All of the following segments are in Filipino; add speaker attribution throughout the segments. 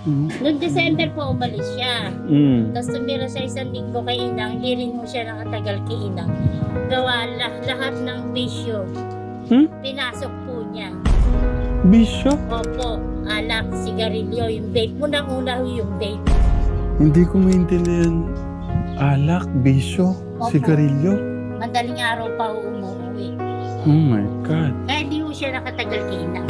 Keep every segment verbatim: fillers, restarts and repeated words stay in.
Speaker 1: Mm.
Speaker 2: Noong December po umalis siya.
Speaker 1: Mm.
Speaker 2: Tapos tumira siya isang linggo kay Inang, hindi rin mo siya nakatagal kay Inang. Gawa lah- lahat ng bisyo,
Speaker 1: Hmm?
Speaker 2: pinasok po niya.
Speaker 1: Bisyo?
Speaker 2: Opo, alak, sigarilyo, yung vape. Unang-una ho yung vape.
Speaker 1: Hindi ko maintindihan. Alak, bisyo,
Speaker 2: Opo.
Speaker 1: sigarilyo.
Speaker 2: Madaling araw pa ho umuwi.
Speaker 1: Oh my God.
Speaker 2: Kaya di ho siya nakatagal kay Inang.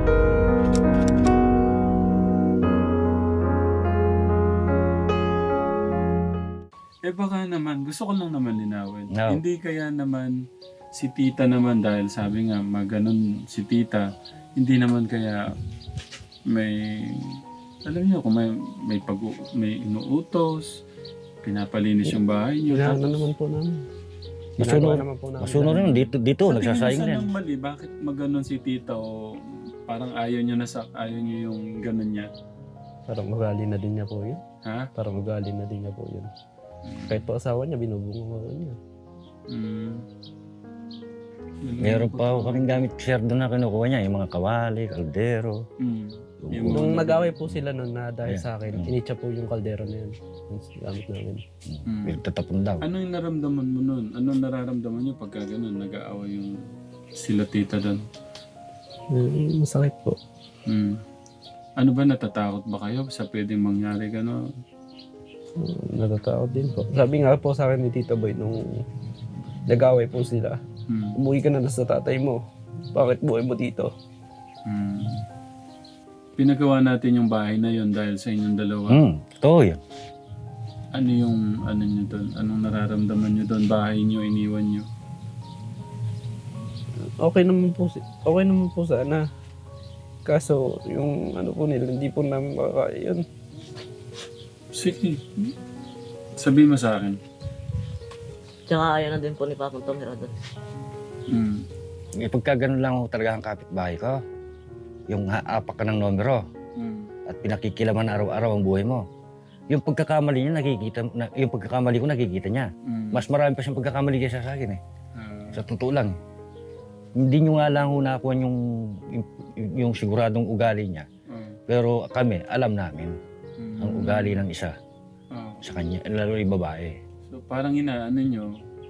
Speaker 1: Eh baka naman, gusto ko lang naman linawin.
Speaker 3: No.
Speaker 1: Hindi kaya naman si tita naman dahil sabi nga maganon si tita, hindi naman kaya may, alam niyo kung may, may, pag, may inuutos, pinapalinis yung bahay niyo.
Speaker 4: Kailangan
Speaker 1: Tapos,
Speaker 4: naman po namin.
Speaker 3: Masunod.
Speaker 4: Ginagawa naman po namin.
Speaker 3: Masunod naman dito, dito
Speaker 1: sa tingin niyo
Speaker 3: nagsasayang
Speaker 1: saan
Speaker 3: din.
Speaker 1: ang mali? Bakit maganon si tita o parang ayaw niyo na sa, ayaw niyo yung ganon niya?
Speaker 4: Parang ugali na din niya po yun.
Speaker 1: Ha?
Speaker 4: Parang ugali na din niya po yun. Kahit po asawa niya, binubungo ko niya.
Speaker 1: Mm.
Speaker 3: Meron pa ako kaming gamit share doon na kinukuha niya, yung mga kawali, kaldero.
Speaker 1: Mm. Yung
Speaker 4: Nung
Speaker 1: mga-
Speaker 4: nag-away po sila nun na dahil
Speaker 3: Ayan.
Speaker 4: sa akin,
Speaker 3: Mm.
Speaker 4: initsa po yung kaldero na yun. Yung gamit namin.
Speaker 1: Mm.
Speaker 3: Pinagtatapon daw.
Speaker 1: Ano yung naramdaman mo nun? Ano nararamdaman niyo pagka ganun, nag-aaway yung sila tita doon?
Speaker 4: Mm, masakit po.
Speaker 1: Mm. Ano ba, natatakot ba kayo sa pwedeng mangyari gano'n?
Speaker 4: Mm, natatakot din po. Sabi nga po sa akin ni Tito Boy nung nag-away po sila,
Speaker 1: Mm.
Speaker 4: umuwi ka na lang sa tatay mo. Bakit buhay mo dito?
Speaker 1: Mm. Pinagawa natin yung bahay na yon dahil sa inyong dalawa.
Speaker 3: Hmm, totoo yun.
Speaker 1: Ano yung, ano nyo doon? Anong nararamdaman nyo doon? Bahay nyo, iniwan nyo?
Speaker 4: Okay naman po, si- okay naman po sana. Kaso yung ano po nila, hindi po namin makakaya yun.
Speaker 1: Sige. Sabi mo sa akin.
Speaker 5: Tsaka ayaw na din po ni Papang tumira doon.
Speaker 1: Mm.
Speaker 3: Eh, pagka ganun lang ako talaga ang kapitbahay ko, yung haapak ka ng numero
Speaker 1: Mm.
Speaker 3: at pinakikilaman araw-araw ang buhay mo. Yung pagkakamali niya, nakikita, na, yung pagkakamali ko nakikita niya.
Speaker 1: Mm.
Speaker 3: Mas marami pa siyang pagkakamali kaysa sa akin eh.
Speaker 1: Ah,
Speaker 3: Sa totoo lang. Hindi nyo nga lang hunakuan yung, yung, yung siguradong ugali niya.
Speaker 1: ah,
Speaker 3: Pero kami, alam namin
Speaker 1: mm.
Speaker 3: ang ugali ng isa
Speaker 1: Ah.
Speaker 3: sa kanya, lalo yung babae.
Speaker 1: So parang inaano nyo.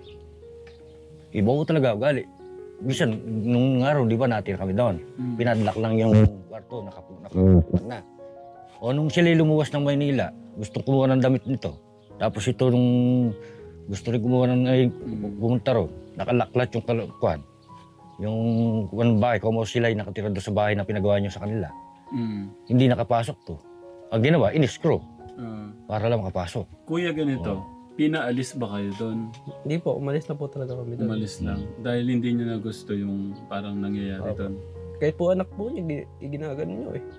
Speaker 3: Iba ko talaga ugali. Bisan, nung araw, di ba natin kami doon?
Speaker 1: Mm.
Speaker 3: Pinadlock lang yung kwarto, nakapu- nakapunan na. O nung sila lumuwas ng Maynila, gustong kumuha ng damit nito. Tapos ito nung gusto rin kumuha ng ay, pumunta ro, nakalaklat yung kalakwan. Yung kuwan bahay, kung sila ay nakatira doon sa bahay na pinagawa niyo sa kanila.
Speaker 1: Mm.
Speaker 3: Hindi nakapasok to. Ang ginawa, in-screw
Speaker 1: Ah.
Speaker 3: para lang makapasok.
Speaker 1: Kuya, ganito. Pinaalis ba kayo doon?
Speaker 4: Hindi po, umalis na po talaga kami doon.
Speaker 1: Umalis lang. Dahil hindi niyo na gusto yung parang nangyayari
Speaker 4: Opo.
Speaker 1: doon.
Speaker 4: Kahit po anak po niya, gi- ginagano niyo eh.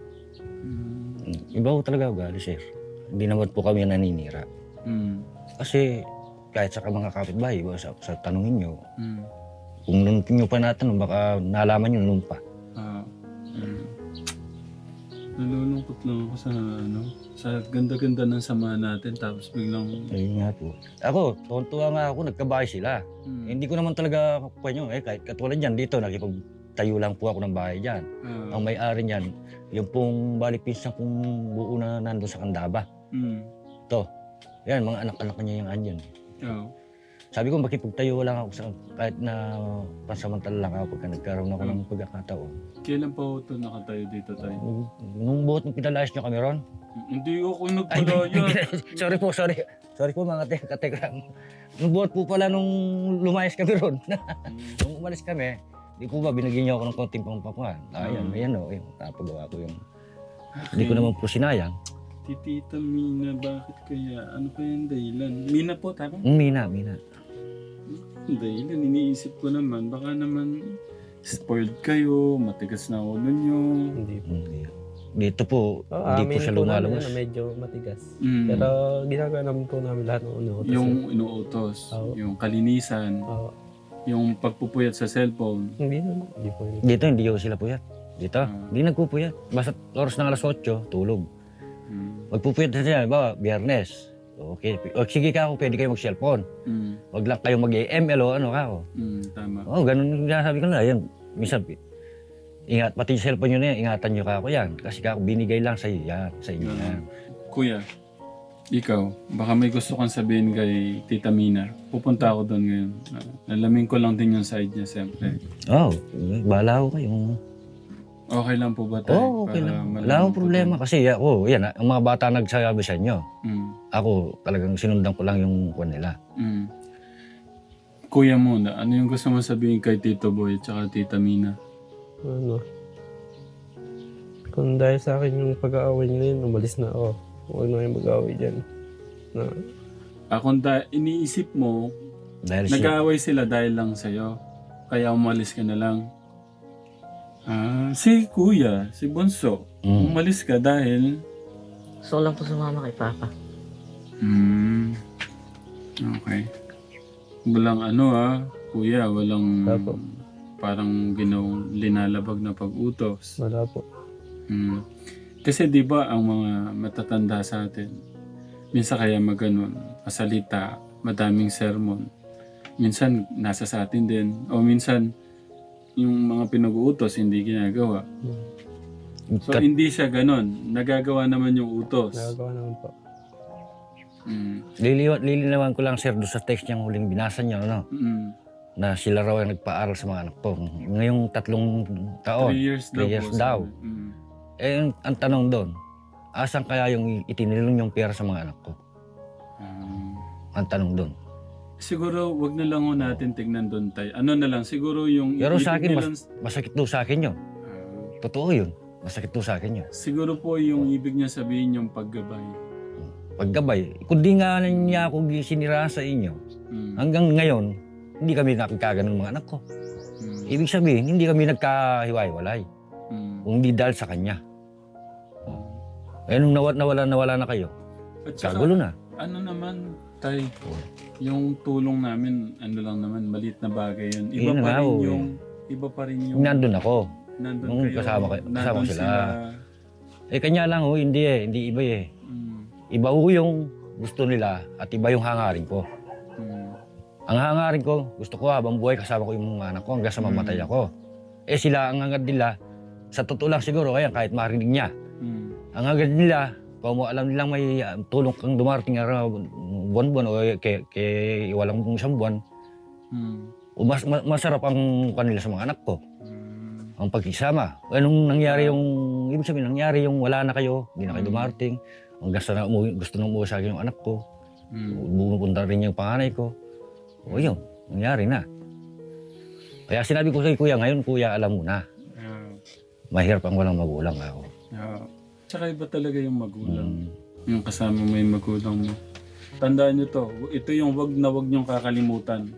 Speaker 1: Mm.
Speaker 3: Iba ko talaga ugali, sir. Hindi naman po kami naninira.
Speaker 1: Mm.
Speaker 3: Kasi kahit sa mga kapitbahay, iba sa, sa tanongin nyo,
Speaker 1: Mm.
Speaker 3: kung nung nyo pa natanong, baka nalaman nyo nung pa.
Speaker 1: Ah. Mm. Nalulungkot lang ako sa ano, sa ganda-ganda ng samahan natin tapos biglang
Speaker 3: Ayun nga po. Ako, tuwan-tuwa nga ako, nagkabahay sila.
Speaker 1: mm.
Speaker 3: Eh, hindi ko naman talaga kukuha nyo. Eh, kahit katulad dyan, dito, nakipagtayo lang po ako ng bahay dyan.
Speaker 1: Ah.
Speaker 3: Ang may-ari niyan, yung pong balik pinsan kong buo na nandun sa Kandaba.
Speaker 1: Mm.
Speaker 3: Yan, mga anak-anak niya yung andyan.
Speaker 1: Oh.
Speaker 3: Sabi ko, makipagtayo lang ako sa, kahit na pansamantala lang ako pagka nagkaroon ako ng pagkakataon.
Speaker 1: Kailan pa ito nakatayo dito tayo?
Speaker 3: Nung, nung buot nung pinalayas nyo kami ron,
Speaker 1: Hindi ako
Speaker 3: Ay,
Speaker 1: nagpalaya.
Speaker 3: sorry po, sorry. Sorry po mga te kategram. Nung buhat po pala nung lumayas kami ron. Nung umalis kami, di po ba binigyan niyo ako ng konting pangpapangan. Ayan,
Speaker 1: Mm.
Speaker 3: may ano, yung napagawa ko yung... Hindi ko naman po sinayang.
Speaker 1: Tita Mina, bakit kaya? Ano kaya yung dahilan? Mina po, tama?
Speaker 3: Mm, Mina, Mina.
Speaker 1: Ang dahilan, iniisip ko naman. Baka naman spoiled kayo, matigas na ulo nyo.
Speaker 4: Hindi po.
Speaker 3: Mm, dito po,
Speaker 4: Oh,
Speaker 3: hindi po
Speaker 4: amin
Speaker 3: siya
Speaker 4: po namin
Speaker 3: lumalabas.
Speaker 4: na medyo matigas.
Speaker 1: Mm.
Speaker 4: Pero ginagawa naman po namin lahat ng uno.
Speaker 1: Yung inuutos,
Speaker 4: Oo.
Speaker 1: yung kalinisan,
Speaker 4: Oo.
Speaker 1: yung pagpupuyat sa cellphone.
Speaker 4: hindi naman. Hindi po yun.
Speaker 3: Dito, hindi ko sila puyat. Dito,
Speaker 1: Ah.
Speaker 3: hindi nagpupuyat. Basta oras ng alas otso, tulog.
Speaker 1: Mm.
Speaker 3: Magpupuyat na siya, ba, biyernes. Okay, o, sige ka ako, pwede kayo mag-cellphone.
Speaker 1: Mm.
Speaker 3: Wag lang kayong mag-M L o ano ka ako.
Speaker 1: Mm. Tama.
Speaker 3: Oo, oh, ganun yung sabi ko na. Yan, minsan, Ingat, pati yung cellphone nyo na yan, ingatan nyo ka ako yan. Kasi kako binigay lang sa iyo yan, sa inyo yan.
Speaker 1: Kuya, ikaw, baka may gusto kang sabihin kay Tita Mina. Pupunta ako doon ngayon. Uh, alamin ko lang din yung side niya, siyempre.
Speaker 3: Oo, oh, bahala ko kayo.
Speaker 1: Okay lang po ba tayo?
Speaker 3: Oo, okay
Speaker 1: Para
Speaker 3: lang.
Speaker 1: malaman
Speaker 3: Wala akong
Speaker 1: ko
Speaker 3: problema.
Speaker 1: din?
Speaker 3: Kasi ako, yan, ang mga bata nagsasabi sa inyo.
Speaker 1: Mm.
Speaker 3: Ako, talagang sinundan ko lang yung kwan nila.
Speaker 1: Mm. Kuya muna, ano yung gusto mo sabihin kay Tito Boy at saka Tita Mina?
Speaker 4: Ano, kung dahil sa akin yung pag-aaway nila yun, umalis na ako. Huwag na yung mag-aaway dyan. Na,
Speaker 1: Akong da- iniisip mo,
Speaker 3: Dahil si...
Speaker 1: nag-aaway sila dahil lang sa'yo. Kaya umalis ka na lang. Ah, si Kuya, si Bunso,
Speaker 3: Mm.
Speaker 1: umalis ka dahil...
Speaker 5: Gusto ko lang po sumama kay Papa.
Speaker 1: Hmm. Okay. Walang ano ah, Kuya, walang
Speaker 4: Apo.
Speaker 1: parang ginawang linalabag na pag-utos.
Speaker 4: wala po.
Speaker 1: Hmm. Kasi di ba ang mga matatanda sa atin, minsan kaya maganon, masalita, madaming sermon. Minsan nasa sa atin din. O minsan yung mga pinag-uutos hindi ginagawa. So
Speaker 3: Kat-
Speaker 1: hindi siya ganon. Nagagawa naman yung utos.
Speaker 4: Nagagawa naman po.
Speaker 1: Mm.
Speaker 3: Liliwan, lilinawan ko lang, sir, doon sa text niyang huling binasa niyo, ano,
Speaker 1: Mm.
Speaker 3: na sila raw ay nagpaaral sa mga anak ko. Ngayong tatlong taon,
Speaker 1: Three years daw.
Speaker 3: three years
Speaker 1: po,
Speaker 3: daw.
Speaker 1: sabi. Mm.
Speaker 3: eh, ang, ang tanong doon, asan kaya yung itinilong yung pera sa mga anak ko?
Speaker 1: Um,
Speaker 3: Ang tanong doon.
Speaker 1: siguro wag na lang ho natin tignan doon tayo. Ano na lang, siguro yung...
Speaker 3: Pero sa
Speaker 1: ibig
Speaker 3: akin,
Speaker 1: nilang-
Speaker 3: Masakit daw sa akin yun.
Speaker 1: Ah,
Speaker 3: Totoo yun. Masakit daw sa akin yun.
Speaker 1: siguro po yung ibig niya sabihin yung paggabay.
Speaker 3: Paggabay, kundi nga niya ako siniraan sa inyo,
Speaker 1: Mm.
Speaker 3: hanggang ngayon, hindi kami nakikaganon ng mga anak ko.
Speaker 1: Mm.
Speaker 3: Ibig sabihin, hindi kami nagkahiwa-hiwalay.
Speaker 1: Mm.
Speaker 3: Kung hindi dahil sa kanya. Eh, nung nawala, nawala, nawala na kayo,
Speaker 1: At saka,
Speaker 3: kagulo na.
Speaker 1: ano naman, tay, yung tulong namin, ano lang naman, maliit na bagay yun. Iba
Speaker 3: Yun
Speaker 1: pa
Speaker 3: nga,
Speaker 1: rin
Speaker 3: oh,
Speaker 1: yung... Iba pa rin yung...
Speaker 3: Nandun ako.
Speaker 1: Nandun
Speaker 3: Nung
Speaker 1: kayo.
Speaker 3: kasama kayo- kasama
Speaker 1: nandun
Speaker 3: sila.
Speaker 1: sila.
Speaker 3: Eh, kanya lang, oh, hindi eh. Hindi iba eh.
Speaker 1: Mm.
Speaker 3: Iba ho yung gusto nila at iba yung hangarin ko.
Speaker 1: Mm.
Speaker 3: Ang hangarin ko, gusto ko habang buhay kasama ko yung mga anak ko hanggang sa mamatay
Speaker 1: Mm.
Speaker 3: ako. Eh sila, ang hangad nila, sa totoo lang siguro, kaya kahit marinig niya,
Speaker 1: Mm.
Speaker 3: ang hangad nila, kung mo alam nilang may uh, tulong kang dumarating araw, buwan-buwan o kay, kay walang isang buwan,
Speaker 1: Mm.
Speaker 3: o mas, ma- masarap ang kanila sa mga anak ko,
Speaker 1: Mm.
Speaker 3: ang pagkisama. Anong nangyari yung, ibig sabihin, nangyari yung wala na kayo, hindi na kayo
Speaker 1: Mm.
Speaker 3: dumarating, hanggang sa na umuwi, gusto nang umuwi sa akin yung anak ko,
Speaker 1: Mm.
Speaker 3: bumupunta rin yung panganay ko. O yun, nangyari na. Kaya sinabi ko kay kuya, ngayon kuya, alam mo na,
Speaker 1: Yeah.
Speaker 3: mahirap ang walang magulang ako.
Speaker 1: Yeah. Tsaka iba talaga yung magulang.
Speaker 3: Mm.
Speaker 1: Yung kasama mo yung magulang mo. Tandaan nyo to, ito yung wag na wag nyong kakalimutan.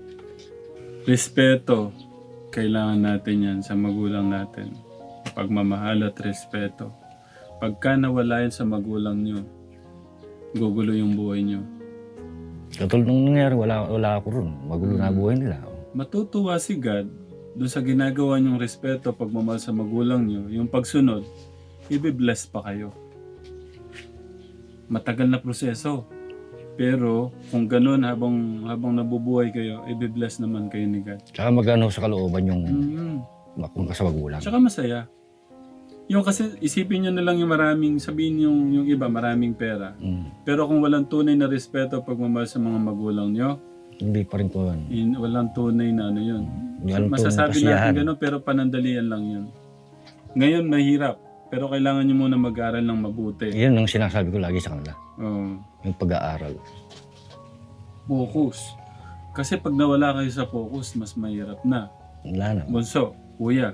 Speaker 1: Respeto. Kailangan natin yan sa magulang natin. Pagmamahal at respeto. Pagka nawala yan sa magulang nyo, gugulo yung buhay nyo.
Speaker 3: Katulad nung nangyari, wala, wala ako ron. Magulo na buhay nila.
Speaker 1: Matutuwa si God doon sa ginagawa nyong respeto, pagmamahal sa magulang nyo, yung pagsunod, i-bless pa kayo. Matagal na proseso. Pero kung ganun habang habang nabubuhay kayo, i-bless naman kayo ni God.
Speaker 3: Tsaka magano sa kalooban yung
Speaker 1: Mm.
Speaker 3: makumpa sa magulang.
Speaker 1: Tsaka masaya. Yung kasi isipin nyo na lang yung maraming, sabihin yung, yung iba, maraming pera.
Speaker 3: Mm.
Speaker 1: Pero kung walang tunay na respeto, pagmamahal sa mga magulang nyo,
Speaker 3: Hindi pa rin ko yan.
Speaker 1: in, walang tunay na ano yun.
Speaker 3: Walang tunay
Speaker 1: Masasabi
Speaker 3: kasiyahan.
Speaker 1: natin gano'n pero panandalian lang yun. Ngayon mahirap, pero kailangan nyo muna mag-aral ng mabuti.
Speaker 3: Yun ang sinasabi ko lagi sa kanila.
Speaker 1: Oh,
Speaker 3: Yung pag-aaral.
Speaker 1: focus. Kasi pag nawala kayo sa focus, mas mahirap na.
Speaker 3: Wala na.
Speaker 1: Bunso, kuya,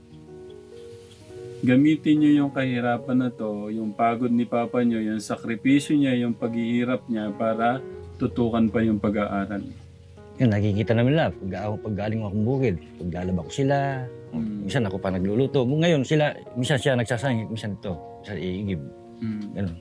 Speaker 1: gamitin nyo yung kahirapan na to, yung pagod ni papa nyo, yung sakripisyo niya, yung paghihirap niya para tutukan pa yung pag-aaral.
Speaker 3: Yun, nakikita namin lang. Pag, ako, pag galing akong bukid, paglalaba ko sila.
Speaker 1: Mm.
Speaker 3: Minsan ako pa nagluluto. Ngayon sila, minsan siya nagsasangit, minsan ito. Minsan iigib.
Speaker 1: Mm.
Speaker 3: Ganun.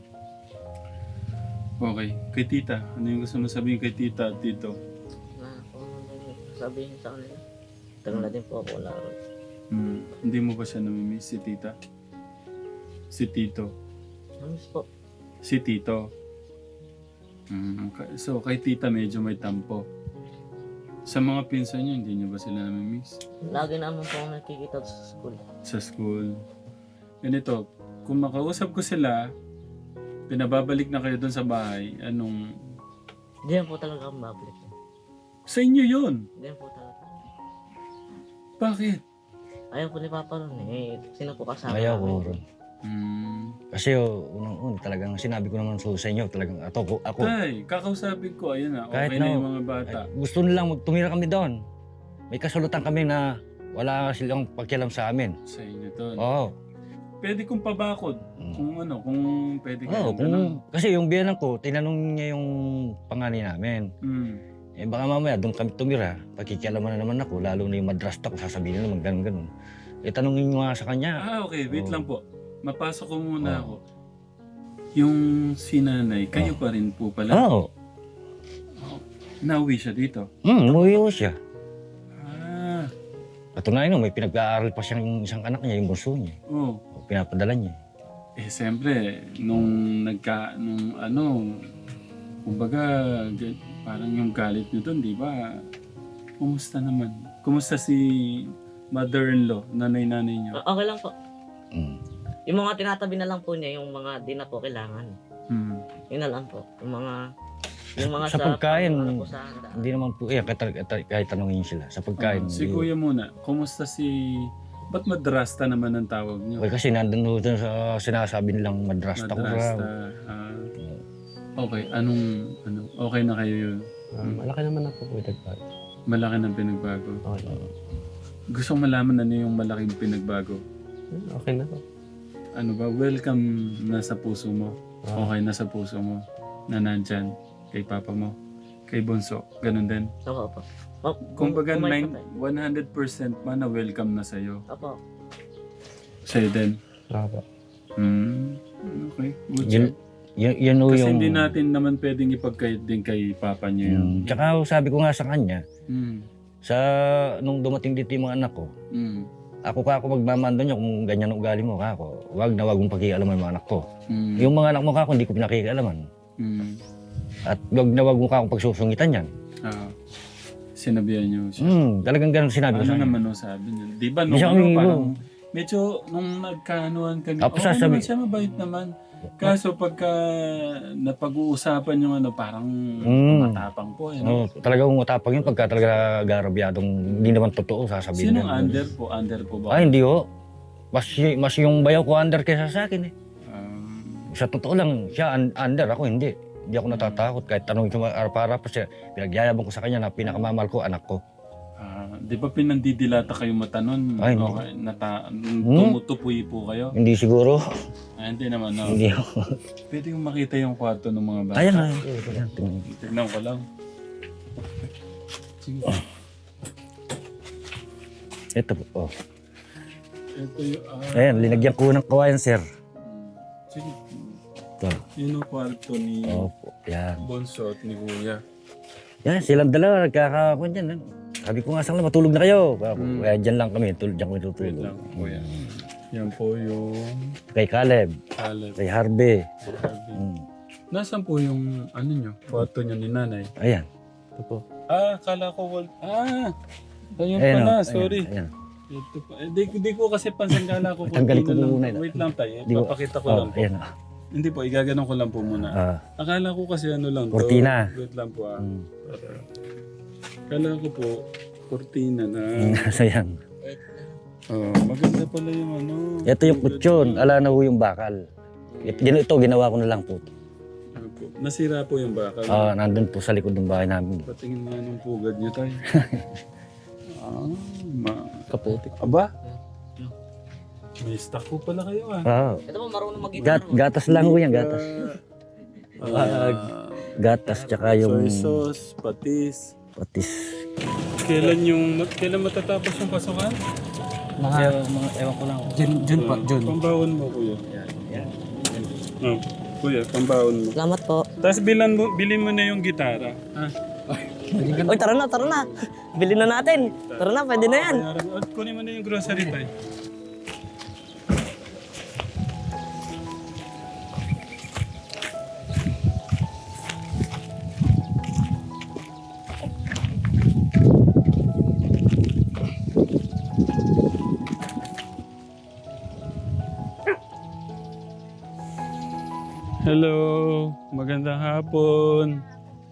Speaker 1: Okay. Kay tita, ano yung gusto mo sabihin kay tita at tito?
Speaker 5: Na kung ano sabihin sa kanila. Tagal na din po ako wala ron.
Speaker 1: Hmm. Hindi mo ba siya namimiss si tita? Si tito?
Speaker 5: Namiss po.
Speaker 1: Si tito? Hmm. ka- So kay tita medyo may tampo. Sa mga pinsan niyo, hindi niyo ba sila namimiss?
Speaker 5: Lagi naman po ako nakikita sa school.
Speaker 1: Sa school. Ganito, kung makausap ko sila, pinababalik na kayo doon sa bahay, anong...
Speaker 5: Hindi yan po talaga akong babalik.
Speaker 1: Sa inyo yun!
Speaker 5: Hindi yan po talaga.
Speaker 1: Bakit?
Speaker 5: Ayaw po ni Papa ron eh. Sino po kasama
Speaker 3: Ayaw ko
Speaker 5: namin?
Speaker 3: ron.
Speaker 1: Hmm.
Speaker 3: Kasi oh, unang-una talagang sinabi ko naman so sa inyo, talagang ako, ako
Speaker 1: Tay, kakausapin ko, ayun na, okay
Speaker 3: Kahit
Speaker 1: na
Speaker 3: na-
Speaker 1: yung mga bata.
Speaker 3: ay, gusto nilang magtumira kami doon. May kasulatan kami na wala silang pakialam sa amin.
Speaker 1: Sa inyo doon.
Speaker 3: Oo.
Speaker 1: Pwede kong pabakod.
Speaker 3: Mm.
Speaker 1: Kung ano, kung pwede
Speaker 3: Oo,
Speaker 1: kayo.
Speaker 3: kung, kasi yung biyanan ko, tinanong niya yung panganay namin.
Speaker 1: Mm.
Speaker 3: Eh baka mamaya doon kami tumira, pagkikialaman na naman ako, lalo na yung madrasta ko, sasabihin na naman ganun-ganun. Eh tanongin nyo nga sa kanya.
Speaker 1: Ah, okay. Wait
Speaker 3: Oo.
Speaker 1: lang po. Mapasok ko muna
Speaker 3: Oo.
Speaker 1: ako. Yung si nanay, kayo pa rin po pala.
Speaker 3: Oo.
Speaker 1: Nauwi siya dito.
Speaker 3: Hmm, umuwi ko siya.
Speaker 1: Ah,
Speaker 3: Patunayan mo, may pinag-aaral pa siyang isang anak niya, yung bunso niya.
Speaker 1: oh.
Speaker 3: O, pinapadala niya.
Speaker 1: Eh, siyempre, nung nagka, nung ano, kumbaga, ga- parang yung galit nyo doon, di ba? Kumusta naman? Kumusta si mother-in-law, nanay-nanay niyo?
Speaker 5: O- Okay lang po.
Speaker 3: Hmm.
Speaker 5: Yung mga tinatabi na lang po niya, yung mga di na po kailangan.
Speaker 1: Hmm.
Speaker 5: Yun na lang po. Yung mga... Yung mga
Speaker 3: Sa pagkain,
Speaker 5: ano po sa handa.
Speaker 3: Hindi naman po, eh, kahit, kahit, kahit tanongin sila. Sa pagkain.
Speaker 1: Ah, si
Speaker 3: hindi-
Speaker 1: kuya muna, kumusta si... Ba't madrasta naman ang tawag niyo?
Speaker 3: Okay, kasi nandun ho dun sa sinasabi nilang madrasta ko
Speaker 1: Madrasta.
Speaker 3: raw.
Speaker 1: Ah, okay, anong... Ano, okay na kayo yun?
Speaker 4: Ah, malaki naman na po po nagbago.
Speaker 1: Malaki ng pinagbago.
Speaker 4: Okay na.
Speaker 1: Gusto kong malaman ano yung malaking pinagbago.
Speaker 4: Ah, Okay na po.
Speaker 1: Ano ba, welcome na sa puso mo.
Speaker 4: Ah,
Speaker 1: Okay na sa puso mo na nandyan kay papa mo, kay Bonso, ganun din.
Speaker 5: Opo, opo. O,
Speaker 1: Kumbaga,
Speaker 5: kumain
Speaker 1: nine-
Speaker 5: pa tayo.
Speaker 1: one hundred percent pa na welcome na sa'yo.
Speaker 5: Opo.
Speaker 1: Sa'yo din.
Speaker 4: ah, po.
Speaker 1: Hmm, okay, good
Speaker 3: Yun,
Speaker 1: job.
Speaker 3: yun, yun ho
Speaker 1: Kasi
Speaker 3: yung...
Speaker 1: hindi natin naman pwedeng ipagkait din kay papa niyo yun.
Speaker 3: Mm, tsaka ho, sabi ko nga sa kanya,
Speaker 1: Hmm,
Speaker 3: sa nung dumating dito yung mga anak ko,
Speaker 1: hmm,
Speaker 3: ako ka ako magmamando niya kung ganyan ang ugali mo ka ako. Wag na wag mong pakialaman yung mga anak ko.
Speaker 1: hmm,
Speaker 3: Yung mga anak mo ka ako, hindi ko pinakikialaman.
Speaker 1: hmm.
Speaker 3: At wag na wag mo ka akong pagsusungitan yan.
Speaker 1: Ah, sinabihan niyo siya.
Speaker 3: Hmm, talagang ganun sinabi ko
Speaker 1: Ano
Speaker 3: sa kanya.
Speaker 1: naman no sabi niya? Di ba nung
Speaker 3: Hindi siya
Speaker 1: ano,
Speaker 3: umiibo.
Speaker 1: parang medyo nung nagkaanuhan kami,
Speaker 3: Apo,
Speaker 1: okay
Speaker 3: sasabi-
Speaker 1: naman siya, mabait naman. Kaso pagka napag-uusapan yung ano, parang
Speaker 3: Mm.
Speaker 1: matapang po. Eh,
Speaker 3: Oh,
Speaker 1: no?
Speaker 3: talagang matapang yun pagka talaga garabyadong hindi naman totoo sasabihin
Speaker 1: Sinong
Speaker 3: niya.
Speaker 1: under po? Under po ba?
Speaker 3: Ay, hindi ho. Mas, y- mas yung bayaw ko under kaysa sa akin eh.
Speaker 1: Um,
Speaker 3: Sa totoo lang, siya un- under, ako hindi. Hindi ako natatakot kahit tanong ko para pa siya. Pinagyayabang ko sa kanya na pinakamamahal ko, anak ko.
Speaker 1: ah, di ba pinandidilata kayo mata nun?
Speaker 3: Ay, hindi.
Speaker 1: okay, nata, tumutupoy po kayo?
Speaker 3: Hindi siguro.
Speaker 1: Ah, hindi naman, no?
Speaker 3: Hindi ako.
Speaker 1: Pwede kong makita yung kwarto ng mga bata.
Speaker 3: Ayan na. Ayan, tingnan.
Speaker 1: Tignan ko lang. Sige.
Speaker 3: Ito po. Oh.
Speaker 1: Ito yung... ah,
Speaker 3: Ayan, linagyan ko ng kawayan, sir.
Speaker 1: Sige.
Speaker 3: Ito.
Speaker 1: Yun ang kwarto ni
Speaker 3: Opo, yan.
Speaker 1: Bonso at ni Kuya.
Speaker 3: Yan, silang dalawa, nagkakakon dyan. ano. Sabi ko nga sa kanila, matulog na kayo. Kaya,
Speaker 1: Mm.
Speaker 3: kaya dyan lang kami, tul dyan kami
Speaker 1: Wait
Speaker 3: tutulog.
Speaker 1: lang, Kuya. Yan po yung
Speaker 3: Kay Caleb,
Speaker 1: Caleb.
Speaker 3: kay Harvey.
Speaker 1: Harvey.
Speaker 3: Mm.
Speaker 1: Nasaan po yung ano nyo? Kwarto nyo ni nanay?
Speaker 3: Ayan.
Speaker 4: Ito po.
Speaker 1: Ah, kala ko wal... Ah! Ayun
Speaker 3: Ayan,
Speaker 1: pala,
Speaker 3: oh,
Speaker 1: sorry.
Speaker 3: Ayan, ayan.
Speaker 1: Ito pa. Eh, di, di ko kasi pansin kala ko.
Speaker 3: Tanggalin ko
Speaker 1: konti na lang.
Speaker 3: muna yun.
Speaker 1: Wait lang tayo.
Speaker 3: Di ko-
Speaker 1: Papakita ko
Speaker 3: Oh,
Speaker 1: lang po.
Speaker 3: ayan. oh.
Speaker 1: Hindi po, igaganon ko lang po muna.
Speaker 3: Ah,
Speaker 1: Akala ko kasi ano lang to.
Speaker 3: Cortina.
Speaker 1: Wait lang po ah.
Speaker 3: mm.
Speaker 1: Akala ko po, cortina na.
Speaker 3: So yan.
Speaker 1: Oh, maganda pala yung ano.
Speaker 3: Ito yung kutsyon, ala na ho yung bakal. Ito, ito ginawa ko na lang po.
Speaker 1: Ano po? Nasira po yung bakal.
Speaker 3: Ah, nandun po sa likod ng bahay namin.
Speaker 1: Patingin nga nung pugad niyo tayo. ah, ma...
Speaker 4: Kaputik.
Speaker 1: Aba? May stock po pala kayo ah.
Speaker 3: Ah,
Speaker 5: Ito po, marunong mag-gitara.
Speaker 3: gat, gatas lang ho yan, gatas.
Speaker 1: Ah,
Speaker 3: Gatas tsaka yung
Speaker 1: soy sauce, patis.
Speaker 3: patis.
Speaker 1: Kailan yung kailan matatapos yung pasukan?
Speaker 3: Mga, mga ewan ko lang.
Speaker 4: Jun, Jun pa, Jun.
Speaker 1: Pambawon mo kuya.
Speaker 3: Yan, yan.
Speaker 1: Oh, kuya, pambawon mo.
Speaker 5: Salamat po.
Speaker 1: Tapos bilan mo, bilhin mo na yung gitara. Ha?
Speaker 5: Uy, tara na, tara na. Bilhin na natin. Tara na, pwede na yan.
Speaker 1: Bayaran mo. At kunin mo na yung grocery tayo. Hello, magandang hapon.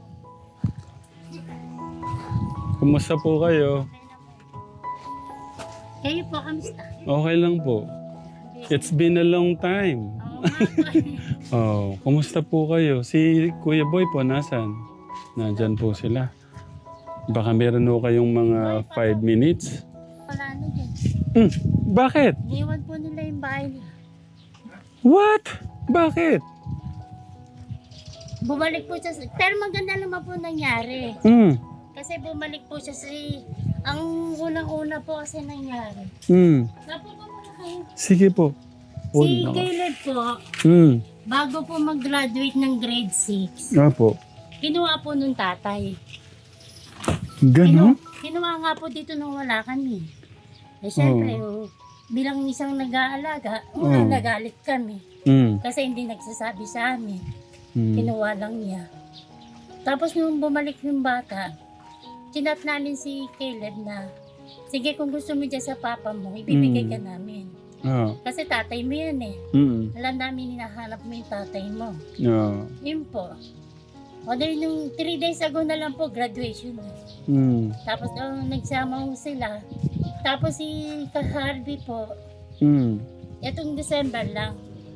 Speaker 1: Kumusta po kayo?
Speaker 2: Kayo po, kamusta?
Speaker 1: Okay lang po. It's been a long time.
Speaker 2: Oo nga po.
Speaker 1: Oh, kumusta po kayo? Si Kuya Boy po, nasan? Nandyan po sila. Baka meron po kayong mga five minutes.
Speaker 2: Wala na dyan.
Speaker 1: Hmm, bakit?
Speaker 2: Iwan po nila yung bahay nila.
Speaker 1: What? Bakit?
Speaker 2: Bumalik po siya. sa- Pero maganda naman po nangyari.
Speaker 1: Hmm,
Speaker 2: Kasi bumalik po siya sa... Ang unang-una po kasi nangyari.
Speaker 1: hmm.
Speaker 2: Napo po muna kayo.
Speaker 1: Sige po.
Speaker 2: Si
Speaker 1: Una.
Speaker 2: Caleb po,
Speaker 1: Hmm,
Speaker 2: bago po mag-graduate ng grade six,
Speaker 1: nga po.
Speaker 2: kinuha po nung tatay.
Speaker 1: Ganon?
Speaker 2: Kinu- kinuha nga po dito nung wala kami. Eh syempre, oh, bilang isang nag-aalaga, una
Speaker 1: Oh.
Speaker 2: nagalit kami.
Speaker 1: Hmm,
Speaker 2: Kasi hindi nagsasabi sa amin.
Speaker 1: hmm.
Speaker 2: Kinuha lang niya. Tapos nung bumalik yung bata, chinat namin si Caleb na, sige kung gusto mo dyan sa papa mo, ibibigay
Speaker 1: Mm.
Speaker 2: ka namin.
Speaker 1: Ah,
Speaker 2: Kasi tatay mo yan eh.
Speaker 1: hmm.
Speaker 2: Alam namin hinahanap mo yung tatay mo.
Speaker 1: Ah,
Speaker 2: Yun po. O dahil nung three days ago na lang po, graduation na.
Speaker 1: hmm.
Speaker 2: Tapos oh, nagsama ho sila. Tapos si Harvey po,
Speaker 1: Hmm.
Speaker 2: itong December lang.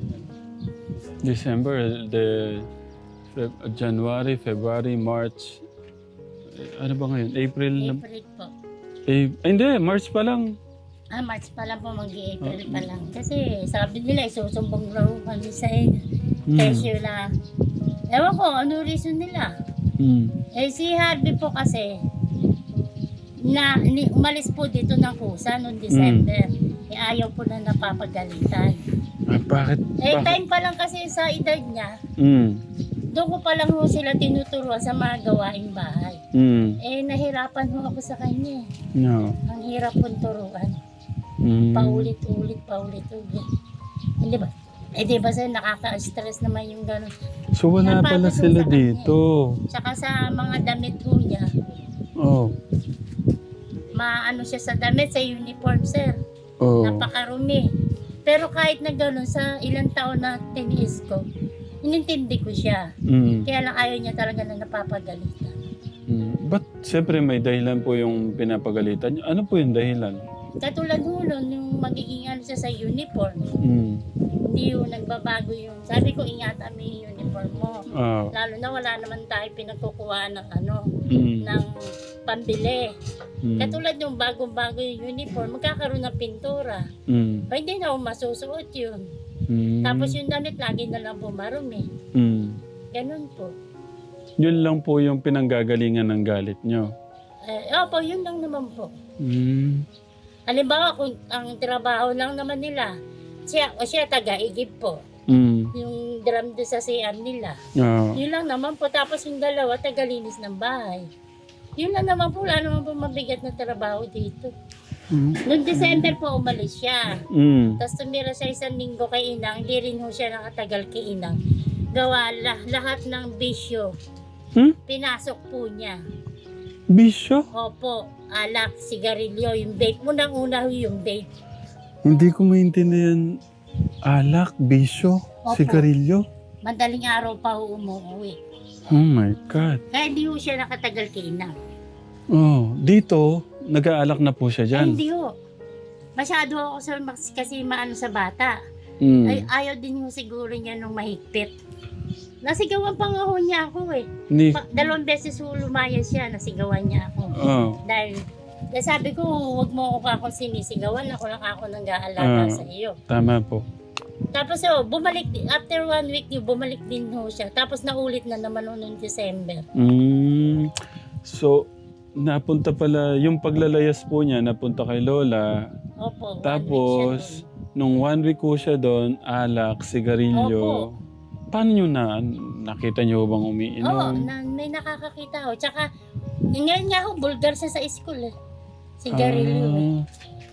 Speaker 1: December, the Feb- January, February, March. Eh, Ano ba ngayon? April na?
Speaker 2: April po.
Speaker 1: Eh, ay, hindi, March pa lang.
Speaker 2: Ah, March pa lang po, mag-April
Speaker 1: Ah.
Speaker 2: pa lang. Kasi sabi nila, isusumbong raw kami sa inyo.
Speaker 1: Hmm.
Speaker 2: Kesyo na. Ewan ko, ano reason nila?
Speaker 1: Hmm.
Speaker 2: Eh si Harvey po kasi, na ni, umalis po dito ng kusa noong December. Eh ayaw po na napapagalitan.
Speaker 1: Ah, bakit?
Speaker 2: Eh
Speaker 1: bakit?
Speaker 2: time pa lang kasi sa edad niya,
Speaker 1: Hmm.
Speaker 2: doon ko pa lang ho sila tinuturuan sa mga gawaing bahay.
Speaker 1: Hmm.
Speaker 2: Eh nahirapan ho ako sa kanya. eh.
Speaker 1: No.
Speaker 2: Ang hirap pong turuan.
Speaker 1: Hmm.
Speaker 2: Paulit-ulit, paulit-ulit. Hindi ba? Eh di ba sir, nakaka-stress naman yung gano'n.
Speaker 1: So wala pala
Speaker 2: Napagod
Speaker 1: sila
Speaker 2: sa kanya.
Speaker 1: dito.
Speaker 2: Tsaka sa mga damit ho niya,
Speaker 1: Oh.
Speaker 2: maano siya sa damit, sa uniform sir.
Speaker 1: Oh.
Speaker 2: Napakarumi. Pero kahit na gano'n, sa ilang taon na tiniis ko, inintindi ko siya.
Speaker 1: Hmm.
Speaker 2: Kaya lang ayaw niya talaga na napapagalitan.
Speaker 1: Hmm. Ba't siyempre may dahilan po yung pinapagalitan niyo? Ano po yung dahilan?
Speaker 2: Katulad ho nun, yung magiging ano siya sa uniform,
Speaker 1: Hmm.
Speaker 2: hindi yung nagbabago yung, sabi ko ingatan mo yung uniform mo.
Speaker 1: Ah.
Speaker 2: Lalo na wala naman tayo pinagkukuhaan ng ano,
Speaker 1: Hmm.
Speaker 2: ng pambili.
Speaker 1: Hmm.
Speaker 2: Katulad yung bagong-bago yung uniform, magkakaroon ng pintura.
Speaker 1: Hmm.
Speaker 2: Pa hindi na ako masusuot yun.
Speaker 1: Hmm.
Speaker 2: Tapos yung damit lagi na lang pumarumi.
Speaker 1: Hmm.
Speaker 2: Ganun po.
Speaker 1: Yun lang po yung pinanggagalingan ng galit nyo.
Speaker 2: Eh, opo, yun lang naman po.
Speaker 1: Hmm.
Speaker 2: Halimbawa, kung ang trabaho lang naman nila, siya, o siya taga-igib po.
Speaker 1: Hmm.
Speaker 2: Yung drum doon sa C R nila.
Speaker 1: Ah.
Speaker 2: Yun lang naman po. Tapos yung dalawa, tagalinis ng bahay. Yun lang naman po. Wala naman po mabigat na trabaho dito.
Speaker 1: Hmm.
Speaker 2: Noong December po, umalis siya.
Speaker 1: Hmm.
Speaker 2: Tapos tumira siya isang linggo kay Inang. Hindi rin ho siya nakatagal kay Inang. Gawa lah- lahat ng bisyo.
Speaker 1: Hmm?
Speaker 2: Pinasok po niya.
Speaker 1: Bisyo?
Speaker 2: Opo, alak, sigarilyo, yung vape. Unang-una ho yung vape.
Speaker 1: Hindi ko maintindihan. Alak, bisyo,
Speaker 2: Opo.
Speaker 1: sigarilyo.
Speaker 2: Madaling araw pa ho umuwi.
Speaker 1: Oh my God.
Speaker 2: Kaya hindi ho siya nakatagal kay Inang.
Speaker 1: Oh, dito, nag-aalak na po siya
Speaker 2: Ay,
Speaker 1: dyan.
Speaker 2: hindi ho. Masyado ako sa, kasi maano sa bata.
Speaker 1: Hmm.
Speaker 2: Ay, ayaw din ho siguro niya nung mahigpit. Nasigawan pa nga ho niya ako eh.
Speaker 1: Ni,
Speaker 2: Pa, dalawang beses ho lumayas siya, nasigawan niya ako.
Speaker 1: oh.
Speaker 2: Dahil, dahil sabi ko, huwag mo ako akong sinisigawan, ako lang ako nang gaalaga
Speaker 1: Ah.
Speaker 2: sa iyo.
Speaker 1: Tama po.
Speaker 2: Tapos oh, bumalik, din- after one week, yun, bumalik din ho siya. Tapos naulit na naman ho noong December.
Speaker 1: Hmm. So, napunta pala, yung paglalayas po niya, napunta kay Lola.
Speaker 2: Opo, one week siya
Speaker 1: Tapos, nung one week ko siya doon, alak, sigarilyo. Paano nyo na, nakita nyo bang
Speaker 2: doon. Oo,
Speaker 1: umiinom?
Speaker 2: na, may nakakakita ho. Tsaka, ngayon nga ho, bulgar siya sa school eh. Sigarilyo eh.
Speaker 1: Ah,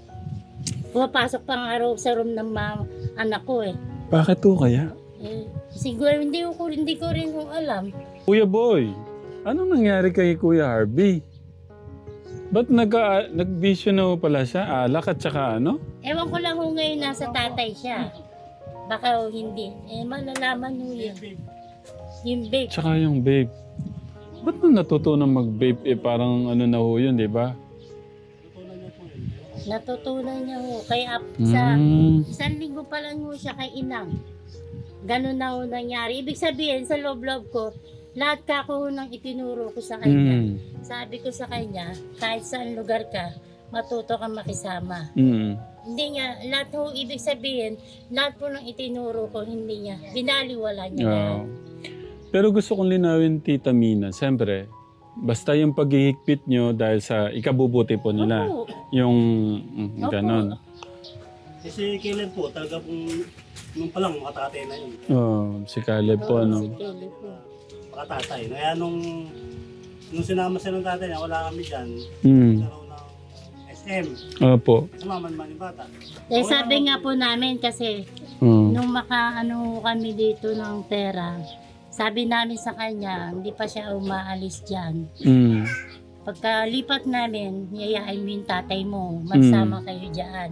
Speaker 2: Pumapasok pa nga raw sa room ng ma- anak ko eh.
Speaker 1: bakit to kaya?
Speaker 2: eh siguro hindi ko, hindi ko rin kung alam.
Speaker 1: Kuya Boy, anong nangyari kay Kuya Harvey? Ba't nagka, nagbisyo na ho pala siya? Alak at saka ano?
Speaker 2: Ewan ko lang kung ngayon nasa tatay siya. Baka o hindi. Eh, malalaman mo yun. Yung vape.
Speaker 1: Tsaka yung vape. Ba't mo natutunan mag-vape? Eh, parang ano na ho yun, di ba?
Speaker 2: Natutunan niya ho. Kaya sa
Speaker 1: Mm.
Speaker 2: isang linggo pa lang ho siya kay inang. Ganun na ho nangyari. Ibig sabihin, sa loob-loob ko, lahat ka ko nang itinuro ko sa kanya.
Speaker 1: Mm.
Speaker 2: Sabi ko sa kanya, kahit saan lugar ka, matuto kang makisama.
Speaker 1: Mm.
Speaker 2: Hindi niya, lahat ho, ibig sabihin, lahat po nang itinuro ko, hindi niya, binaliwala niya.
Speaker 1: Oo.
Speaker 2: lahat.
Speaker 1: Pero gusto kong linawin, Tita Mina, siyempre, basta yung paghihigpit nyo dahil sa ikabubuti po nila.
Speaker 2: Opo.
Speaker 1: Yung mm,
Speaker 2: Opo.
Speaker 1: ganon.
Speaker 6: Kasi kailan po, talaga pong, nung palang makatatay na yun.
Speaker 1: Oh, si Caleb po,
Speaker 2: Oo,
Speaker 1: ano.
Speaker 2: si Kelly po.
Speaker 6: Makatatay. Kaya nung, nung sinama siya ng tatay niya, wala kami dyan,
Speaker 1: Mm.
Speaker 6: nagkaroon ng S M.
Speaker 1: Opo.
Speaker 6: Sumama naman yung bata.
Speaker 2: Eh, sabi nga po namin kasi,
Speaker 1: Mm.
Speaker 2: nung makaano kami dito ng pera, sabi namin sa kanya, hindi pa siya umaalis dyan.
Speaker 1: Mm.
Speaker 2: Pagkalipat namin, yayain mo yung tatay mo, magsama kayo dyan.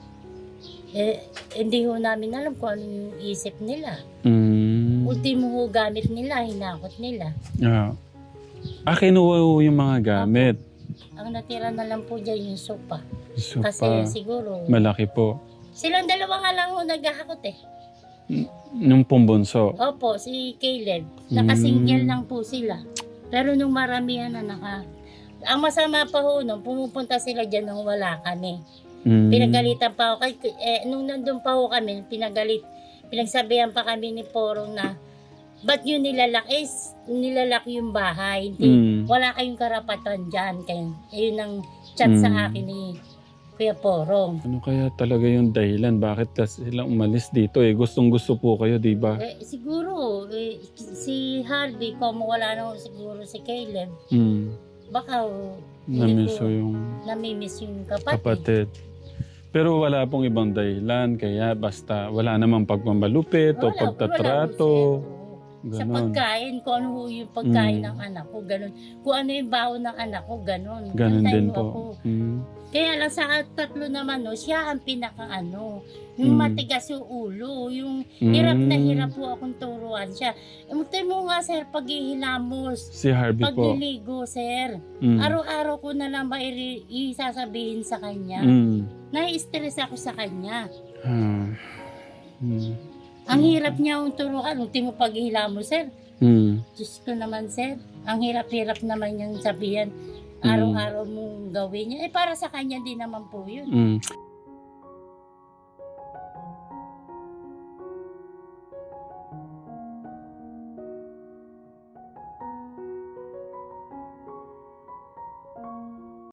Speaker 2: Eh, hindi ho namin alam kung ano yung isip nila.
Speaker 1: Mm.
Speaker 2: Ultimo ho gamit nila, hinakot nila.
Speaker 1: Ah. Ah, kinuha ho yung mga gamit.
Speaker 2: Ang natira na lang po dyan yung sopa.
Speaker 1: So,
Speaker 2: Kasi
Speaker 1: pa,
Speaker 2: siguro,
Speaker 1: malaki po.
Speaker 2: silang dalawa nga lang ho naghahakot eh.
Speaker 1: Nung pumbunso.
Speaker 2: Opo, si Caleb. Nakasingle
Speaker 1: Mm.
Speaker 2: lang po sila. Pero nung maramihan na naka... Ang masama pa ho nung pumupunta sila dyan nung wala kami.
Speaker 1: Mm.
Speaker 2: Pinagalitan pa ako. Kay, eh, nung nandun pa ho kami, pinagalit. Pinagsabihan pa kami ni Porong na ba't yun nilalak? Eh, s- nilalak yung bahay. Hindi,
Speaker 1: Mm.
Speaker 2: wala kayong karapatan dyan. Kaya, ayun ang chat sa
Speaker 1: Mm.
Speaker 2: akin ni Kuya Porong.
Speaker 1: Ano kaya talaga yung dahilan? Bakit kasi sila umalis dito eh? Gustong gusto po kayo, di ba?
Speaker 2: Eh, siguro, eh, si Harvey, kung wala na ho siguro si Caleb,
Speaker 1: Mm.
Speaker 2: baka ho,
Speaker 1: Namiss ko
Speaker 2: ko
Speaker 1: yung
Speaker 2: namimiss yung kapatid.
Speaker 1: kapatid. Pero wala pong ibang dahilan, kaya basta wala namang pagmamalupit o
Speaker 2: Wala-
Speaker 1: pagtatrato.
Speaker 2: wala ho, sir. Sa
Speaker 1: Ganon.
Speaker 2: pagkain, kung ano ho yung pagkain
Speaker 1: Mm.
Speaker 2: ng anak ko, ganun. Kung ano yung baon ng anak ko, ganun.
Speaker 1: Ganon
Speaker 2: Antayin
Speaker 1: din
Speaker 2: mo ako.
Speaker 1: po. Mm.
Speaker 2: Kaya lang sa tatlo naman, no, siya ang pinaka ano, yung
Speaker 1: Mm.
Speaker 2: matigas yung ulo, yung hirap na
Speaker 1: Mm.
Speaker 2: hirap po akong turuan siya. Umutay mo nga, sir, paghihilamos,
Speaker 1: Si Harvey po.
Speaker 2: pagliligo, sir.
Speaker 1: Mm.
Speaker 2: Araw-araw ko na lang ba i- isasabihin sa kanya.
Speaker 1: Mm.
Speaker 2: Nai-stress ako sa kanya.
Speaker 1: Ah. Mm.
Speaker 2: Ang hirap niya akong turuan. Ultimo paghihilamos, sir.
Speaker 1: Mm.
Speaker 2: Diyos ko naman, sir. Ang hirap-hirap naman niyang sabihan.
Speaker 1: Mm.
Speaker 2: Araw-araw mong gawin niya. Eh, para sa kanya din naman po yun.
Speaker 1: Mm.